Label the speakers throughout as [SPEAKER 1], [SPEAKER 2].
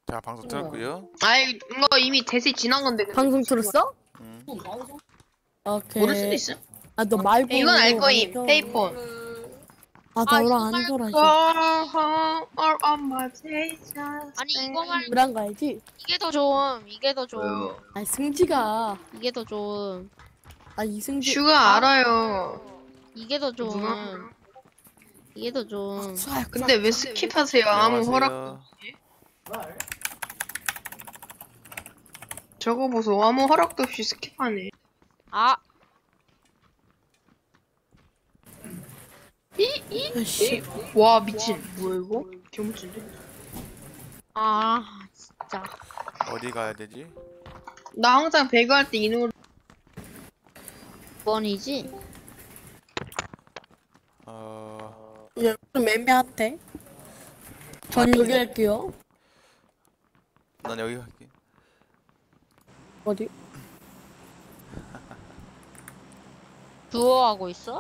[SPEAKER 1] 자, 방송 틀었고요.
[SPEAKER 2] 아이 이거 이미 대세 지난 건데.
[SPEAKER 3] 방송 들었어?
[SPEAKER 2] 모를 수도
[SPEAKER 3] 오케이.
[SPEAKER 2] 있어.
[SPEAKER 3] 아, 너 말고.
[SPEAKER 2] 이건 알 거임.
[SPEAKER 3] 안 껴.
[SPEAKER 2] 페이폰.
[SPEAKER 3] 아, 나랑 안 돌아, 이제.
[SPEAKER 2] All on my days.
[SPEAKER 4] 아니 이거 말고
[SPEAKER 3] 그런 거 알지?
[SPEAKER 4] 이게 더 좋음. 이게 더 좋음.
[SPEAKER 3] 아, 승지가.
[SPEAKER 4] 이게 더 좋음.
[SPEAKER 3] 아, 이승지.
[SPEAKER 2] 슈가 알아요.
[SPEAKER 4] 이게 더 좋음.
[SPEAKER 2] 누가?
[SPEAKER 4] 이게 더 좋음.
[SPEAKER 2] 근데 왜 스킵하세요? 아무 허락도 없이. 저거 보소. 아무 허락도 없이 스킵하네.
[SPEAKER 4] 아,
[SPEAKER 3] 씨.
[SPEAKER 2] 와 미친. 뭐야 이거? 개무친데?
[SPEAKER 4] 아, 진짜.
[SPEAKER 1] 어디 가야 되지?
[SPEAKER 2] 나 항상 배그 할 때 이 노래.
[SPEAKER 4] 번이지?
[SPEAKER 3] 야, 좀 애매한데? 전 여기 할게요.
[SPEAKER 1] 난 여기 갈게.
[SPEAKER 3] 어디?
[SPEAKER 4] 두어 하고 있어?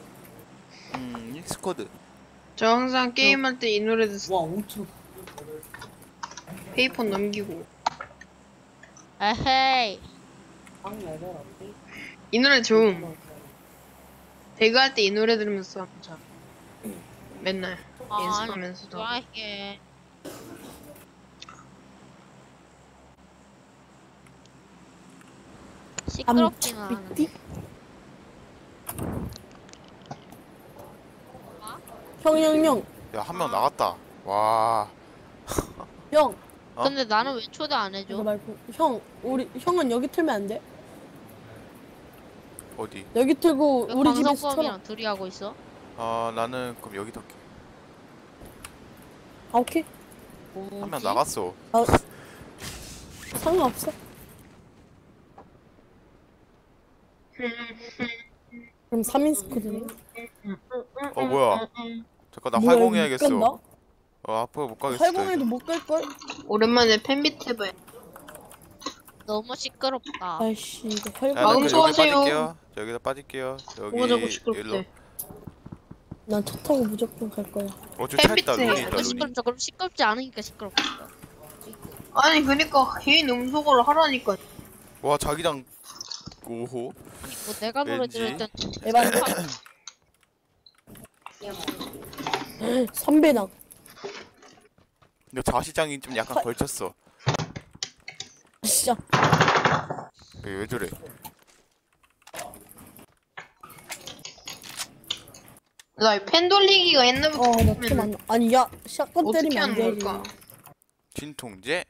[SPEAKER 1] 익스코드.
[SPEAKER 2] 저 항상 게임할 때 이 노래 듣어.
[SPEAKER 3] 와, 엄청.
[SPEAKER 2] 페이폰 넘기고.
[SPEAKER 4] 에헤이.
[SPEAKER 2] 이 노래 좋음. 배그 할 때 이 노래 들으면서 하자. 맨날 연습하면서도.
[SPEAKER 4] 뭐야 이게. 시끄럽지는 않아.
[SPEAKER 3] 삐 형.
[SPEAKER 1] 야, 한 명 나갔다. 와.
[SPEAKER 3] 형.
[SPEAKER 1] 어?
[SPEAKER 4] 근데 나는 왜 초대 안 해줘?
[SPEAKER 3] 이거 말고. 형, 형은 여기 틀면 안 돼?
[SPEAKER 1] 어디?
[SPEAKER 3] 여기 틀고,
[SPEAKER 4] 왜
[SPEAKER 3] 우리 집에서 틀어.
[SPEAKER 4] 방송범이랑 둘이 하고 있어?
[SPEAKER 1] 나는 그럼 여기 덮게.
[SPEAKER 3] 아, 오케이.
[SPEAKER 1] 한 명 나갔어.
[SPEAKER 3] 아, 상관없어. 그럼 3인 스쿼드네.
[SPEAKER 1] 뭐야? 잠깐 나
[SPEAKER 3] 뭐야,
[SPEAKER 1] 활공해야겠어.
[SPEAKER 3] 못 간다?
[SPEAKER 1] 앞으로 못 가겠어.
[SPEAKER 3] 활공해도 못 갈걸?
[SPEAKER 2] 오랜만에 팬비트 해봐요.
[SPEAKER 4] 너무 시끄럽다.
[SPEAKER 3] 아이씨, 이거
[SPEAKER 1] 야,
[SPEAKER 3] 활공.
[SPEAKER 1] 나
[SPEAKER 2] 마음
[SPEAKER 1] 여기
[SPEAKER 2] 좋아하세요.
[SPEAKER 1] 빠질게요. 여기다 빠질게요.
[SPEAKER 2] 뭐가
[SPEAKER 1] 여기
[SPEAKER 2] 자꾸
[SPEAKER 1] 일로.
[SPEAKER 2] 시끄럽대.
[SPEAKER 3] 난 차 타고 무조건 갈 거야.
[SPEAKER 1] 저 차 있다.
[SPEAKER 2] 햇빛에
[SPEAKER 1] 룬이 있다.
[SPEAKER 4] 너무
[SPEAKER 1] 룬이.
[SPEAKER 4] 시끄럽죠? 그럼 시끄럽지 않으니까 시끄럽다.
[SPEAKER 2] 아니 그니까 개인 음소거를 하라니까.
[SPEAKER 1] 와, 자기장. 오호.
[SPEAKER 4] 뭐 내가 노래
[SPEAKER 1] 왠지.
[SPEAKER 4] 들을 땐
[SPEAKER 3] 에반. 선배당.
[SPEAKER 1] 근데 좌시장이 좀 약간 걸쳤어.
[SPEAKER 3] 진짜.
[SPEAKER 1] 왜 저래?
[SPEAKER 2] 나 팬 돌리기가 옛날부터
[SPEAKER 3] 나 좀 안. 아니, 야, 샷건
[SPEAKER 2] 어떻게
[SPEAKER 3] 때리면 안
[SPEAKER 2] 하는
[SPEAKER 3] 되지.
[SPEAKER 2] 걸까?
[SPEAKER 1] 진통제.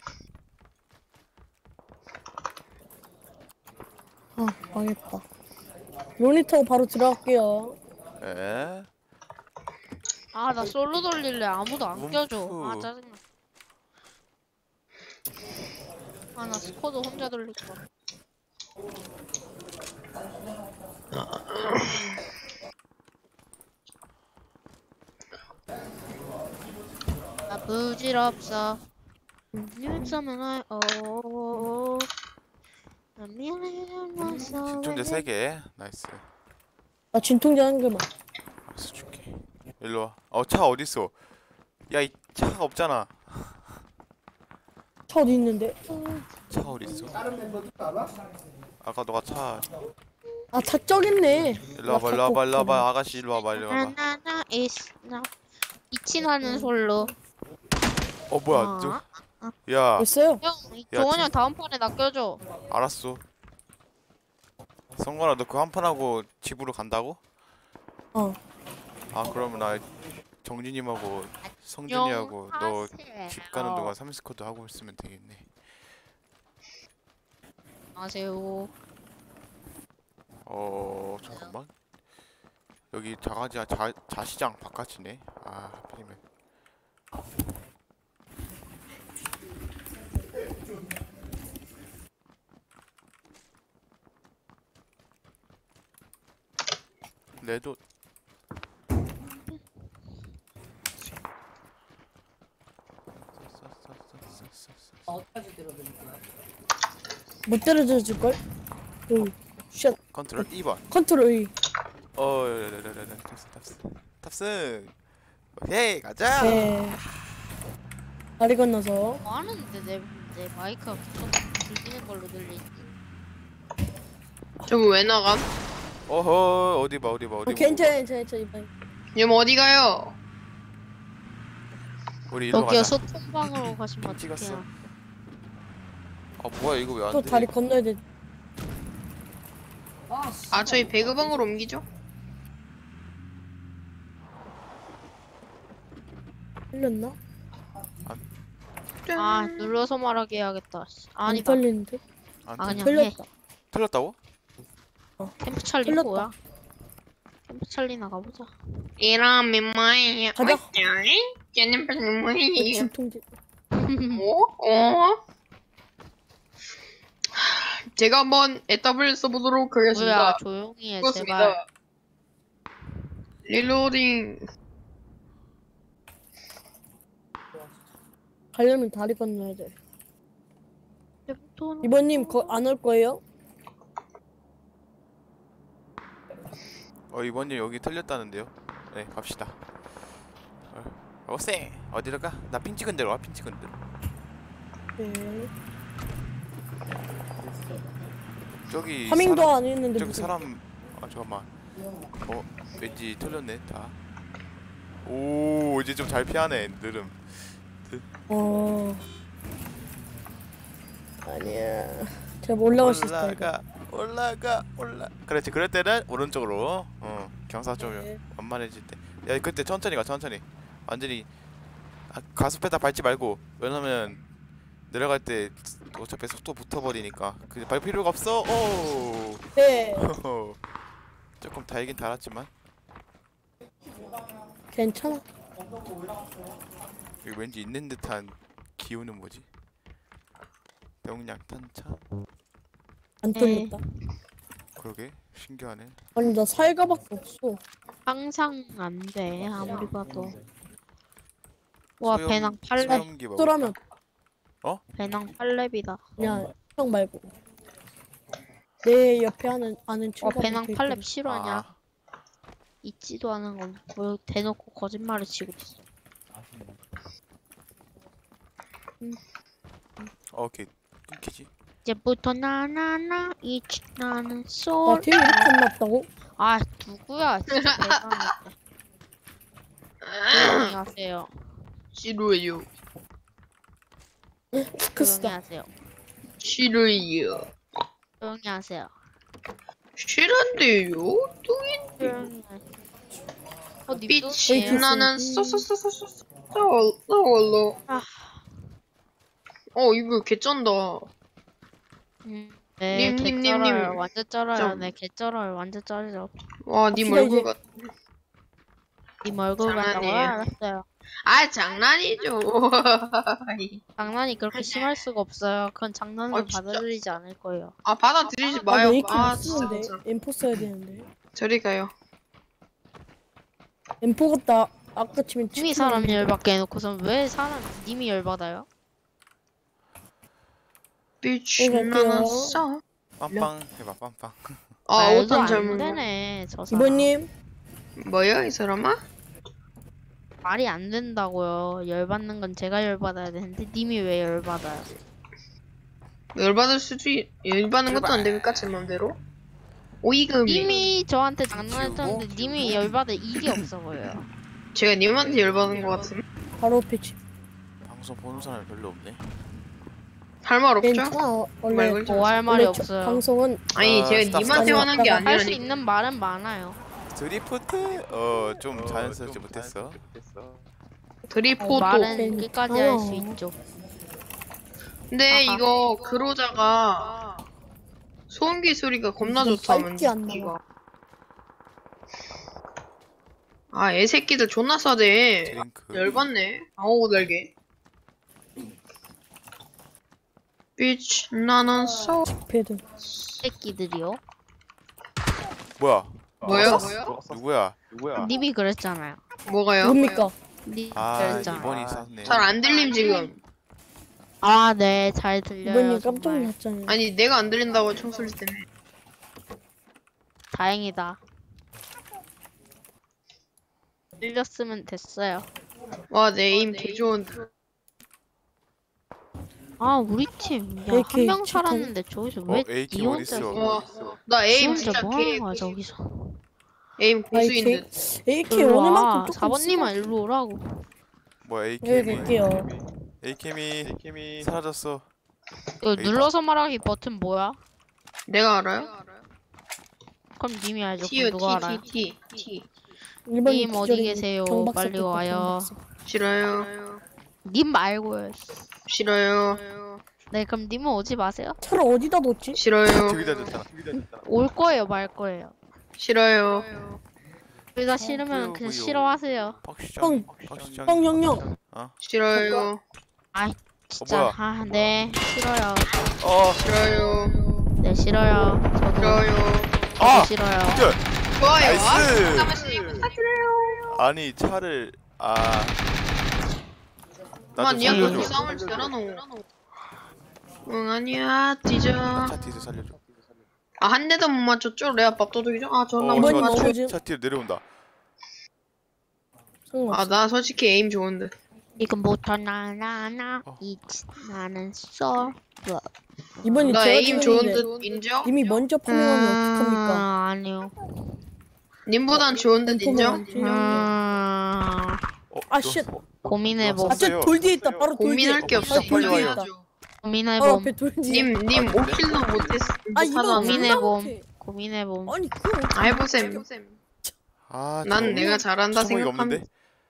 [SPEAKER 3] 아, 망했다. 로니 타고 바로 들어갈게요.
[SPEAKER 1] 에?
[SPEAKER 4] 아, 나 솔로 돌릴래. 아무도 안 껴줘. 아,
[SPEAKER 1] 움프.
[SPEAKER 4] 짜증나. 아, 나 스쿼드 혼자 돌릴 거야. 나 부질없어. 유점은 날, 나 미안해,
[SPEAKER 1] 진통제 3개. 나이스.
[SPEAKER 3] 나 진통제 한 개만.
[SPEAKER 1] 알았어, 줄게. 일로 와. 차 어딨어? 야, 이 차가 없잖아.
[SPEAKER 3] 차 어디 있는데?
[SPEAKER 1] 차 어딨어? 아까 너가 차.
[SPEAKER 3] 아, 차 저기 있네.
[SPEAKER 1] 일로 와봐, 일로 와봐, 일로 와봐. 아가씨, 일로 와봐, 일로 와봐.
[SPEAKER 4] 나나나 있나 이친하는 솔로.
[SPEAKER 1] 뭐야, 야,
[SPEAKER 3] 됐어요.
[SPEAKER 4] 형,
[SPEAKER 1] 야,
[SPEAKER 4] 종원이 형 다음 판에 나 껴줘.
[SPEAKER 1] 알았어. 성건아, 너 그 한 판 하고 집으로 간다고?
[SPEAKER 3] 어.
[SPEAKER 1] 그러면 나 정진님하고 성준이하고 너 집 가는 동안 3스쿼드 하고 있으면 되겠네.
[SPEAKER 4] 안녕하세요.
[SPEAKER 1] 잠깐만. 여기 자시장 바깥이네. 하필이면. 레도.
[SPEAKER 3] 못 때려줘 줄걸? 샷.
[SPEAKER 1] 컨트롤 2번.
[SPEAKER 3] 컨트롤 E.
[SPEAKER 1] 탑승. 오케이, 가자.
[SPEAKER 3] 네. 다리 건너서.
[SPEAKER 4] 뭐 하는데 내 마이크가 계속 들리는 걸로 들리지.
[SPEAKER 2] 저거 왜 나감?
[SPEAKER 1] 어허 어디 봐 어디 봐 어디 봐.
[SPEAKER 3] 괜찮아 이번에.
[SPEAKER 2] 님 어디 가요?
[SPEAKER 1] 우리 일로
[SPEAKER 4] 여기요
[SPEAKER 1] 가자.
[SPEAKER 4] 소통방으로 가시면
[SPEAKER 1] 찍었어.
[SPEAKER 4] 어떡해요.
[SPEAKER 1] 아 뭐야 이거 왜 안
[SPEAKER 3] 또
[SPEAKER 1] 돼?
[SPEAKER 3] 다리 건너야 돼.
[SPEAKER 2] 아 저희 배그방으로 옮기죠?
[SPEAKER 3] 틀렸나?
[SPEAKER 4] 아 눌러서 말하게 해야겠다. 씨.
[SPEAKER 3] 안
[SPEAKER 4] 아니다.
[SPEAKER 3] 틀리는데?
[SPEAKER 1] 안
[SPEAKER 4] 아,
[SPEAKER 1] 돼?
[SPEAKER 4] 그냥 해.
[SPEAKER 3] 틀렸다.
[SPEAKER 1] 틀렸다고?
[SPEAKER 4] 캠프 찰리
[SPEAKER 3] 틀렸다.
[SPEAKER 4] 뭐야? 캠프 찰리 나가보자.
[SPEAKER 2] 이러면 뭐예요?
[SPEAKER 3] 가자.
[SPEAKER 2] 쟤는 뭐예요?
[SPEAKER 3] 진통제.
[SPEAKER 2] 어? 제가 한번 에따블 써보도록
[SPEAKER 4] 뭐야
[SPEAKER 2] 하겠습니다.
[SPEAKER 4] 조용히 해 제발.
[SPEAKER 2] 그렇습니다. 릴로딩.
[SPEAKER 3] 가려면 다리 건너야 돼. 이번님 안 올 거예요?
[SPEAKER 1] 이번님 여기 틀렸다는데요. 네 갑시다. 오세 어디로 가? 나 핀 찍은 대로 와. 핀 찍은 대로.
[SPEAKER 3] 네.
[SPEAKER 1] 저기
[SPEAKER 3] 파밍도
[SPEAKER 1] 사람,
[SPEAKER 3] 안 했는데
[SPEAKER 1] 저기
[SPEAKER 3] 무슨.
[SPEAKER 1] 사람 잠깐만. 왠지 틀렸네 다. 오 이제 좀 잘 피하네 느름.
[SPEAKER 3] 아니야. 제가 올라갈 수 있다 이거.
[SPEAKER 1] 올라가. 그렇지. 그럴 때는 오른쪽으로. 경사 좀
[SPEAKER 3] 네.
[SPEAKER 1] 완만해질 때. 야 그때 천천히 가 천천히. 완전히 가속페달 밟지 말고. 왜냐면 내려갈 때 어차피 속도 붙어버리니까 그 밟을 필요가 없어. 오.
[SPEAKER 3] 네.
[SPEAKER 1] 조금 달긴 달았지만
[SPEAKER 3] 괜찮아.
[SPEAKER 1] 여기 왠지 있는 듯한 기운은 뭐지? 명량 탄차?
[SPEAKER 3] 안 틀렸다.
[SPEAKER 1] 그러게 신기하네.
[SPEAKER 3] 아니 나 살가밖에 없어.
[SPEAKER 4] 항상 안 돼 아무리 봐도. 와
[SPEAKER 1] 소염-
[SPEAKER 4] 배낭 8렙.
[SPEAKER 1] 소염기 먹을까?
[SPEAKER 3] 또라면
[SPEAKER 4] 배낭 8렙이다.
[SPEAKER 3] 그냥 형 말고 내 옆에 아는
[SPEAKER 4] 와
[SPEAKER 3] 친구가
[SPEAKER 4] 배낭
[SPEAKER 3] 붙어
[SPEAKER 4] 8렙
[SPEAKER 3] 있거든.
[SPEAKER 4] 실화냐?
[SPEAKER 1] 아,
[SPEAKER 4] 있지도 않은 건 뭐 대놓고 거짓말을 치고 있어.
[SPEAKER 1] 오케이 끊기지.
[SPEAKER 4] 이제부터 나나나 이치 나는
[SPEAKER 3] 나
[SPEAKER 4] 솔.
[SPEAKER 3] 팀 이렇게 안 났다고?
[SPEAKER 4] 아 누구야 진짜 대단해. 조용히 하세요.
[SPEAKER 2] 싫어요.
[SPEAKER 4] 조용히
[SPEAKER 3] 크스다.
[SPEAKER 4] 하세요.
[SPEAKER 2] 싫어요.
[SPEAKER 4] 조용히 하세요.
[SPEAKER 2] 싫은데요?
[SPEAKER 4] 조용히 하세요.
[SPEAKER 2] 빛이
[SPEAKER 3] 똥이에요?
[SPEAKER 2] 나는 쏘쏘쏘쏘쏘.
[SPEAKER 4] 아.
[SPEAKER 2] 이거 개쩐다.
[SPEAKER 4] 네,
[SPEAKER 2] 님.
[SPEAKER 4] 개쩔어요. 완전 쩔어요.
[SPEAKER 2] 좀.
[SPEAKER 4] 네, 개쩔어요. 완전 쩔죠.
[SPEAKER 2] 와, 님
[SPEAKER 3] 갑시다,
[SPEAKER 2] 얼굴
[SPEAKER 3] 이제.
[SPEAKER 2] 같.
[SPEAKER 4] 님 얼굴 같다고요?
[SPEAKER 2] 장난이에요.
[SPEAKER 4] 알았어요.
[SPEAKER 2] 아, 장난이죠.
[SPEAKER 4] 장난이 그렇게 심할 수가 없어요. 그건 장난으로
[SPEAKER 2] 진짜.
[SPEAKER 4] 받아들이지 않을 거예요.
[SPEAKER 2] 아, 받아들이지
[SPEAKER 3] 아,
[SPEAKER 2] 마요.
[SPEAKER 3] 메이킹
[SPEAKER 2] 아,
[SPEAKER 3] 쓰는데
[SPEAKER 2] 진짜.
[SPEAKER 3] M4 써야 되는데.
[SPEAKER 2] 저리 가요.
[SPEAKER 3] M4 같다. 아까 치면
[SPEAKER 4] 님이
[SPEAKER 3] 치킨
[SPEAKER 4] 사람
[SPEAKER 3] 먹는데.
[SPEAKER 4] 열받게 해놓고선 왜 님이 열받아요?
[SPEAKER 2] 빛이
[SPEAKER 3] 갈게요.
[SPEAKER 2] 나는 쏘.
[SPEAKER 1] 빵빵 해봐 빵빵.
[SPEAKER 2] 아,
[SPEAKER 4] 말도
[SPEAKER 2] 어떤
[SPEAKER 4] 안
[SPEAKER 2] 젊은 거.
[SPEAKER 4] 되네. 저 사람.
[SPEAKER 3] 이번님
[SPEAKER 2] 뭐야, 이 사람아?
[SPEAKER 4] 말이 안 된다고요. 열받는 건 제가 열받아야 되는데 님이 왜 열받아요?
[SPEAKER 2] 열받는 것도 안 되니까, 제 맘대로. 오이금이.
[SPEAKER 4] 님이 저한테 장난했었는데 님이 열받을 일이 없어 보여요.
[SPEAKER 2] 제가 님한테 열받은 것 같은.
[SPEAKER 3] 바로 패치.
[SPEAKER 1] 방송 보는 사람이 별로 없네.
[SPEAKER 2] 할 말 없죠?
[SPEAKER 3] 괜찮아. 원래
[SPEAKER 2] 말 걸지
[SPEAKER 4] 뭐 할 말이
[SPEAKER 3] 원래 저-
[SPEAKER 4] 없어요.
[SPEAKER 3] 방송은
[SPEAKER 2] 아니, 제가
[SPEAKER 1] 스탑,
[SPEAKER 2] 님한테
[SPEAKER 3] 스탑.
[SPEAKER 2] 화난 게
[SPEAKER 3] 할 수
[SPEAKER 4] 할 수
[SPEAKER 2] 아니라니.
[SPEAKER 4] 있는 말은 많아요.
[SPEAKER 1] 드리프트? 좀 자연스럽지 못했어.
[SPEAKER 2] 드리포도.
[SPEAKER 4] 말은
[SPEAKER 3] 괜찮아요.
[SPEAKER 4] 끝까지 할 수 있죠.
[SPEAKER 2] 근데
[SPEAKER 4] 아하.
[SPEAKER 2] 이거 그로자가 소음기 소리가 겁나
[SPEAKER 3] 이거
[SPEAKER 2] 좋다.
[SPEAKER 3] 빨리 안 나와.
[SPEAKER 2] 이거. 아, 애새끼들 존나 싸대.
[SPEAKER 1] 드링크.
[SPEAKER 2] 열받네. 아오 달게. 빛 나는 쏘.
[SPEAKER 3] 패드.
[SPEAKER 4] 새끼들이요.
[SPEAKER 1] 뭐야?
[SPEAKER 2] 뭐야?
[SPEAKER 1] 누구야?
[SPEAKER 4] 님이 그랬잖아요.
[SPEAKER 2] 뭐가요?
[SPEAKER 3] 뭡니까?
[SPEAKER 4] 님
[SPEAKER 1] 아
[SPEAKER 4] 그랬잖아요.
[SPEAKER 1] 이번이 쌌네.
[SPEAKER 2] 잘 안 들림 지금.
[SPEAKER 4] 아, 네, 잘 들려요.
[SPEAKER 3] 이번님 깜짝
[SPEAKER 4] 정말.
[SPEAKER 3] 놀랐잖아요.
[SPEAKER 2] 아니 내가 안 들린다고 총소리 때문에.
[SPEAKER 4] 다행이다. 들렸으면 됐어요.
[SPEAKER 2] 와, 내 에임 개 좋은데.
[SPEAKER 4] 아 우리 팀. 야
[SPEAKER 3] AK
[SPEAKER 4] 한 명
[SPEAKER 3] 칠탄.
[SPEAKER 4] 살았는데 저기서 왜
[SPEAKER 1] AK
[SPEAKER 4] 니 혼자
[SPEAKER 1] 어딨어?
[SPEAKER 2] 나
[SPEAKER 4] 지
[SPEAKER 2] 에임
[SPEAKER 4] 혼자
[SPEAKER 2] 진짜
[SPEAKER 4] 뭐 하는
[SPEAKER 2] 개
[SPEAKER 4] 거야 저기서.
[SPEAKER 2] 에임 고수인
[SPEAKER 3] AK
[SPEAKER 2] 듯.
[SPEAKER 3] AK
[SPEAKER 4] 일로
[SPEAKER 3] 어느
[SPEAKER 4] 와.
[SPEAKER 3] 만큼 조금
[SPEAKER 4] 4번님아 일로 오라고.
[SPEAKER 1] 뭐야
[SPEAKER 3] 여기
[SPEAKER 1] AKM이
[SPEAKER 3] 갈게요.
[SPEAKER 1] AKM이 사라졌어.
[SPEAKER 4] 이거
[SPEAKER 1] 여기다.
[SPEAKER 4] 눌러서 말하기 버튼 뭐야?
[SPEAKER 2] 내가 알아요?
[SPEAKER 4] 그럼 님이 알죠.
[SPEAKER 2] T요
[SPEAKER 4] 그럼 누가 알아요?
[SPEAKER 2] T.
[SPEAKER 3] 1번
[SPEAKER 4] 님 어디 계세요? 빨리 와요.
[SPEAKER 2] 싫어요.
[SPEAKER 4] 님 말고요.
[SPEAKER 2] 싫어요.
[SPEAKER 4] 네 그럼 님은 오지 마세요.
[SPEAKER 3] 차를 어디다 뒀지?
[SPEAKER 2] 싫어요.
[SPEAKER 1] 저기다 줬잖아.
[SPEAKER 4] 올 거예요 말 거예요.
[SPEAKER 2] 싫어요.
[SPEAKER 4] 둘 다 싫으면 그냥 싫어하세요.
[SPEAKER 1] 박시장.
[SPEAKER 3] 형.
[SPEAKER 2] 싫어요.
[SPEAKER 4] 진짜
[SPEAKER 1] 뭐야?
[SPEAKER 4] 아 네 싫어요.
[SPEAKER 2] 싫어요.
[SPEAKER 4] 네 싫어요. 저도
[SPEAKER 2] 싫어요.
[SPEAKER 1] 아!
[SPEAKER 4] 싫어요.
[SPEAKER 1] good.
[SPEAKER 2] 좋아요.
[SPEAKER 1] 나이스.
[SPEAKER 2] 잠깐만요. 부탁드려요.
[SPEAKER 1] 아니 차를 나좀
[SPEAKER 2] 만 니가 그렇게
[SPEAKER 1] 살려줘.
[SPEAKER 2] 싸움을 잘하노. 응 아니야 뒤져.
[SPEAKER 1] 차 뒤에서 살려줘.
[SPEAKER 2] 아 한 대도 못 맞췄죠? 레아 밥도둑이죠? 아 전화
[SPEAKER 1] 어,
[SPEAKER 2] 못
[SPEAKER 3] 이번이
[SPEAKER 1] 차,
[SPEAKER 2] 맞췄.
[SPEAKER 3] 넘어지-
[SPEAKER 1] 차 뒤로 내려온다.
[SPEAKER 3] 상관없어.
[SPEAKER 2] 아나 솔직히 에임 좋은데.
[SPEAKER 4] 지금부터 나나나 나는 써.
[SPEAKER 3] 이번이
[SPEAKER 2] 나
[SPEAKER 3] 제가
[SPEAKER 2] 에임 좋은
[SPEAKER 3] 찍었는데
[SPEAKER 2] 듯 인정?
[SPEAKER 3] 님이 먼저 포명하면 어떡합니까?
[SPEAKER 4] 아니요.
[SPEAKER 2] 님보단 좋은 듯 인정?
[SPEAKER 3] 아, 쉣.
[SPEAKER 4] 고민해봄.
[SPEAKER 3] 아, 쟤돌 뒤에 있다. 바로 돌 뒤에.
[SPEAKER 2] 고민할 게 없어.
[SPEAKER 3] 바로 돌 뒤에
[SPEAKER 1] 빨리
[SPEAKER 3] 있다.
[SPEAKER 1] 와요.
[SPEAKER 3] 바로
[SPEAKER 4] 고민해봄.
[SPEAKER 3] 앞에 돌 뒤에.
[SPEAKER 2] 님 5킬도 못했어.
[SPEAKER 3] 아, 이번
[SPEAKER 2] 못하잖아.
[SPEAKER 4] 고민해봄. 고민해봄.
[SPEAKER 3] 아니, 그거
[SPEAKER 2] 아 해보셈. 난 내가 잘한다
[SPEAKER 1] 수성이가
[SPEAKER 2] 생각함.
[SPEAKER 1] 없는데?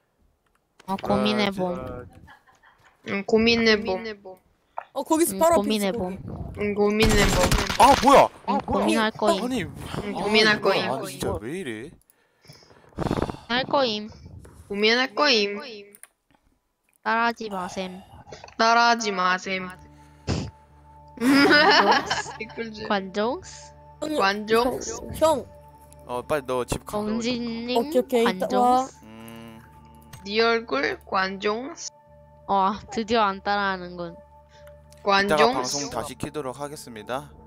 [SPEAKER 4] 고민해봄.
[SPEAKER 2] 응 고민해봄.
[SPEAKER 3] 거기서 바로 앞에
[SPEAKER 4] 고민해봄.
[SPEAKER 2] 응 고민해봄.
[SPEAKER 1] 아 뭐야?
[SPEAKER 4] 고민할 거임.
[SPEAKER 1] 아니
[SPEAKER 2] 응 고민할
[SPEAKER 1] 뭐야.
[SPEAKER 2] 거임.
[SPEAKER 1] 아니 진짜 왜 이래?
[SPEAKER 4] 할 거임.
[SPEAKER 2] 고민할 거임.
[SPEAKER 4] 따라하지 마셈.
[SPEAKER 2] 따라하지 마셈. 댓글즈.
[SPEAKER 4] 관종스.
[SPEAKER 2] 관종.
[SPEAKER 3] 형.
[SPEAKER 1] 빨리 너 집 가.
[SPEAKER 4] 공진님.
[SPEAKER 3] 오케이. 이따 와.
[SPEAKER 4] 관종스.
[SPEAKER 2] 네 얼굴 관종.
[SPEAKER 4] 드디어 안 따라하는군.
[SPEAKER 1] 이따가
[SPEAKER 2] 관종.
[SPEAKER 1] 방송 다시 키도록 하겠습니다.